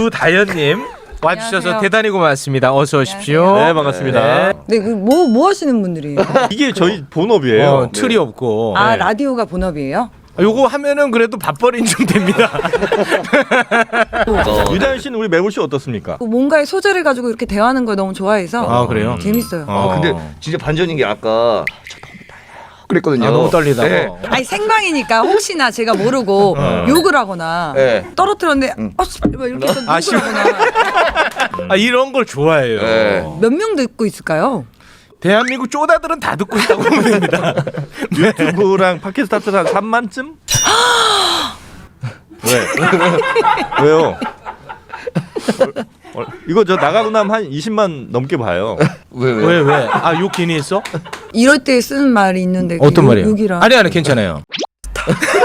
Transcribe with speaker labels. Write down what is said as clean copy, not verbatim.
Speaker 1: 유다연님 와주셔서
Speaker 2: 안녕하세요.
Speaker 1: 대단히 고맙습니다. 어서 오십시오.
Speaker 3: 네, 반갑습니다.
Speaker 2: 네, 뭐 하시는 분들이에요?
Speaker 3: 이게 저희 본업이에요.
Speaker 1: 틀이 없고.
Speaker 2: 아,
Speaker 1: 네.
Speaker 2: 라디오가 본업이에요?
Speaker 1: 요거 하면은 그래도 밥벌이는 좀 됩니다.
Speaker 3: 유다현 씨는 우리 매불 씨 어떻습니까?
Speaker 2: 뭔가의 소재를 가지고 이렇게 대화하는 걸 너무 좋아해서
Speaker 1: 아, 그래요?
Speaker 2: 재밌어요.
Speaker 4: 근데 진짜 반전인 게 아까 저 너무 떨려요. 그랬거든요.
Speaker 1: 아, 너무 떨리다고.
Speaker 4: 네.
Speaker 2: 아니 생방이니까 혹시나 제가 모르고 욕을 하거나
Speaker 4: 네.
Speaker 2: 떨어뜨렸는데 막 이렇게 해서
Speaker 1: 아,
Speaker 2: 욕을 하거나
Speaker 1: 아, 이런 걸 좋아해요.
Speaker 4: 네.
Speaker 2: 몇 명 듣고 있을까요?
Speaker 1: 대한민국 쪼다들은 다 듣고 있다고 보면 됩니다.
Speaker 3: 유튜브랑 팟캐스트 합쳐서 한 3만쯤? 왜? 왜요? 이거 저 나가고 나면 한 20만 넘게 봐요.
Speaker 1: 왜? 아, 욕 괜히 했어?
Speaker 2: 이럴 때 쓰는 말이 있는데
Speaker 1: 어떤
Speaker 2: 욕-
Speaker 1: 말이에요?
Speaker 2: 욕이라.
Speaker 1: 아니, 괜찮아요.